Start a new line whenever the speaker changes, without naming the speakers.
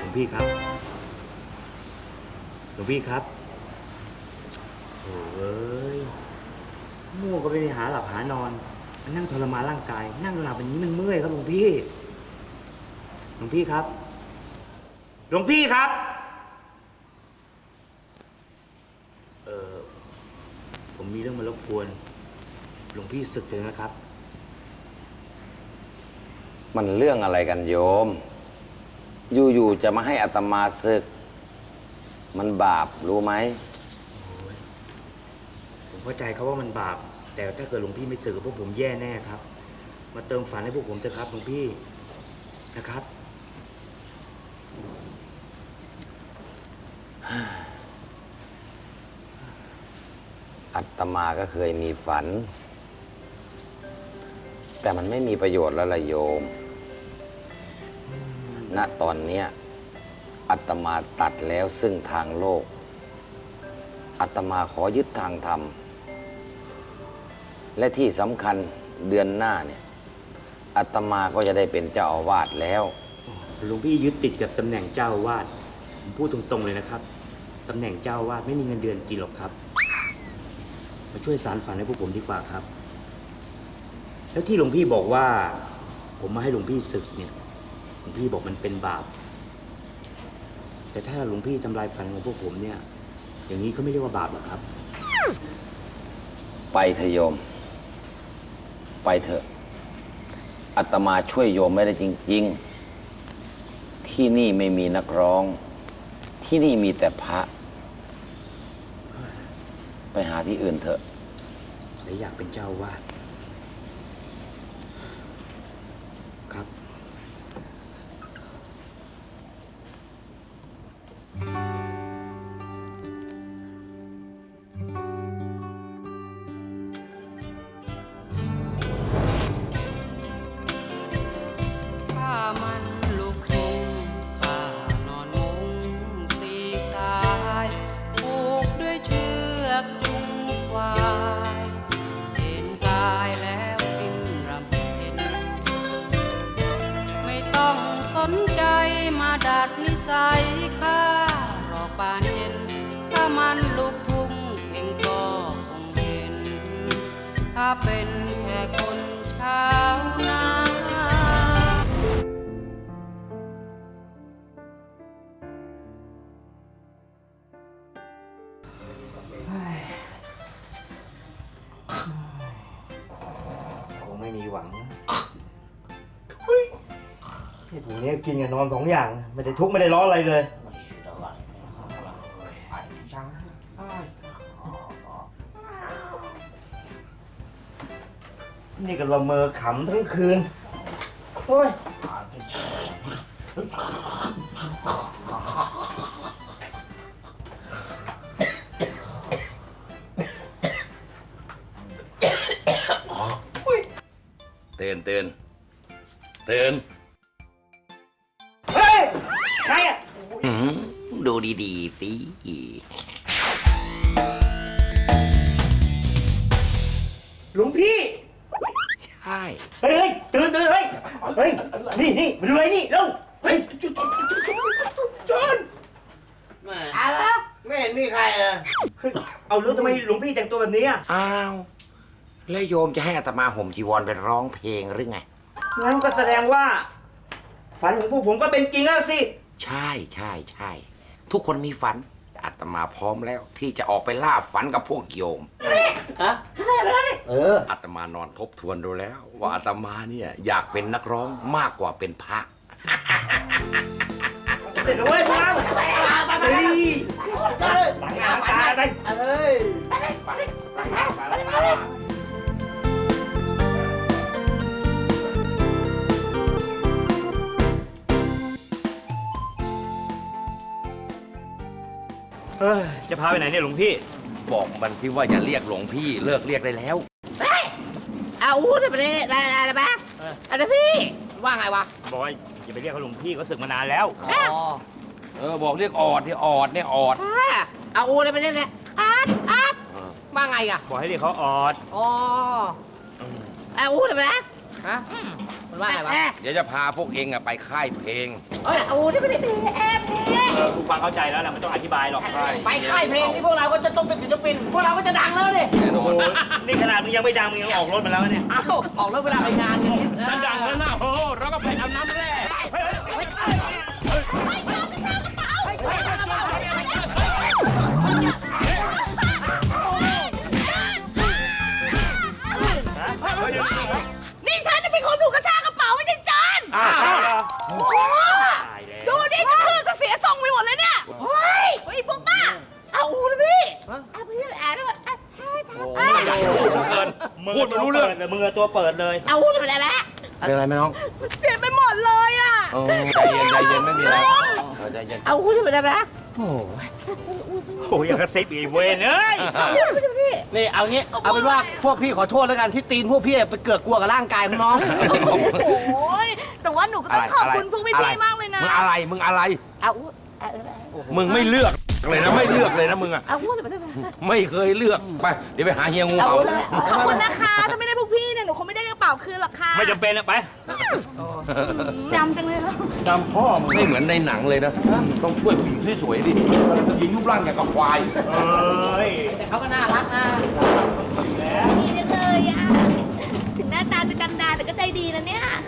งพี่ครับหลวงพี่ครับโอ้ยมั่วก็ไปหาหลับหานอนมานั่งทรมานร่างกายนั่งหลับอย่างนี้มันเมื่อยครับหลวงพี่ครับหลวงพี่ครับผมมีเรื่องมารบกวนหลวงพี่สึกเลยนะครับ
มันเรื่องอะไรกันโยมอยู่ๆจะมาให้อาตมาศึกมันบาปรู้ไหม
ผมเข้าใจครับว่ามันบาปแต่ถ้าเกิดหลวงพี่ไม่สึกพวกผมแย่แน่ครับมาเติมฝันให้พวกผมเถอะครับหลวงพี่นะครับ
อาตมาก็เคยมีฝันแต่มันไม่มีประโยชน์แล้วล่ะโยมณตอนเนี้ยอาตมาตัดแล้วซึ่งทางโลกอาตมาขอยึดทางธรรมและที่สำคัญเดือนหน้าเนี่ยอาตมาก็จะได้เป็นเจ้าอาวาสแล้ว
หลวงพี่ยึดติดกับตำแหน่งเจ้าอาวาสผมพูดตรงๆเลยนะครับตำแหน่งเจ้าอาวาสไม่มีเงินเดือนกินหรอกครับมาช่วยสารฝันให้พวกผมดีกว่าครับแล้วที่หลวงพี่บอกว่าผมมาให้หลวงพี่ศึกเนี่ยหลวงพี่บอกมันเป็นบาปแต่ถ้าหลวงพี่ทำลายฝันของพวกผมเนี่ยอย่างนี้เขาไม่เรียกว่าบาปหรอครับ
ไปเถอะโยมไปเถอะอาตมาช่วยโยมไม่ได้จริงๆที่นี่ไม่มีนักร้องที่นี่มีแต่พระไปหาที่อื่นเถอะ
แต่อยากเป็นเจ้าวาดครับ
ดัดนิสัยข้ารอป่านเย็นถ้ามันลุกทุ่งเองก็คงเห็นถ้าเป็นแค่คนชาวนา
คงไม่มีหวังที่ผมเนี่ยกินกับนอนสองอย่างไม่ได้ทุกข์ไม่ได้ร้อนอะไรเลยนี่ก็ละเมอขำทั้งคืนโอ้ย
ตื่น
เฮ้ยใครอ่ะ
ดูดีๆสิ
หลวงพี่
ใช่
เฮ้ยตื่นเฮ้ยนี่มาดูไอ้นี่เร็วเฮ้ยจอน
อะไรไม่เห็นมีใครเลย
เอาแล้วทำไมหลวงพี่แต่งตัวแบบนี้อ่ะ
อ้าวแล้วโยมจะให้อาตมาห่มจีวรไปร้องเพลงหรือไง
งั้นก็แสดงว่าฝันของพวกผมก็เป็นจริงแล้วสิ
ใช่ทุกคนมีฝันอาตมาพร้อมแล้วที่จะออกไปล่าฝันกับพวกโยม
ฮะ
อาตมานอนทบทวนดูแล้วว่าอาตมาเนี่ยอยากเป็นนักร้องมากกว่าเป็นพระ
เสร็จแล้วเว้ยพลังไปจะพาไปไหนเนี่ยหลวงพี่
บอกมันที่ว่าอย่าเรียกหลวงพี่เลิกเรียกได้แล้ว
เอาได้ไปเลยอะไรบ้างอะไรพี่ว่าไงวะ
บอยอย่าไปเรียกเขาหลวงพี่เขาศึกมานานแล้ว
บอกเรียกออดเนี่ยออด
เอาได้ไปเลยเนี่ยอาดว่าไงอ่ะ
บอกให้เรียกเขาออด
เอาได้ไปเลยฮะว่าไงวะ
เดี๋ยวจะพาพวกเองอะไปค่ายเพลง
เฮ้ยเอาที่ไม่ได้เพลงแอบเพลง
กูฟังเข้าใจแล้วแหละไม่ต้องอธิบายหรอก
ไปค่ายเพลงที่พวกเราก็จะต้องเป็นศิลปิน พวกเราก็จะดังแล้วดิ
แน่นอ
โอ้
น
โหนี่ขนาดมึงยังไม่ดังมึงยังออกรถมาแล้วเนี่ย
เอ้าออกแล้วเวลาไปงานนี้
ดังแล้วนะโอ้เราก็ไปเอาน้ำแร่
นี่ฉันจะเป็นคนถูกกระชากกระเป๋าไม่ใช่จาน
อ้าว
โอ้โห
ตายแล้ว
ดูดิกระพือจะเสียทรงไปหมดเลยเนี่ย
เฮ้ย
เฮ้ยพวกบ้า
เอาเลยพี่เอาพี่แอบได้ไหม
พูดไม่รู้เรื่องเลยมึงตัวเปิดเลย
เอาเลยไปแล้ว
เป็นอะไรไหมน้อง
เจ็บไปหมดเลยอ่ะ
ใจเย็นใจเย็นไม่มีอะไรใจเย็น
เอาเลยไปแล้วนะ
โอ้ยอย่างกระซิบอีกเวนเอ้ย
นี่เอางี้ เอาเป็นว่าพวกพี่ขอโทษแล้วกันที่ตีนพวกพี่ไปเกิดกลัวกับร่างกายของน้อง
โอ้ยแต่ว่าหนูก็ต้องขอบคุณพวกพี่ๆมากเลยนะ
มึงอะไรมึงอะไร
เอา
มึงไม่เลือกเลยนะไม่เลือกเลยนะมึงอะ
เอาเลยไปแล้ว
ไม่เคยเลือกไปเดี๋ยวไปหาเฮียงู
เอา
เอา
เลย
ขอบคุณนะคะ ถ้าไม่ได้พวกพี่เนี่ยหนูคงไม่ได้กระเป๋าคืนหรอกค่ะ
ไม่จำเป็นนะไป
ดำจังเลยเหรอ
ดำพ่อมึง
ไม่เหมือนในหนังเลยนะต้องช่วยผู้หญิงที่สวยดิผู้หญิงรูปร่างอย่างกับควาย
เอ้ย
แต่เขาก็น่ารักนะ
ดีจังเลยอ่ะ ถึงหน้าตาจะกันดารแต่ก็ใจดีนะเนี่ย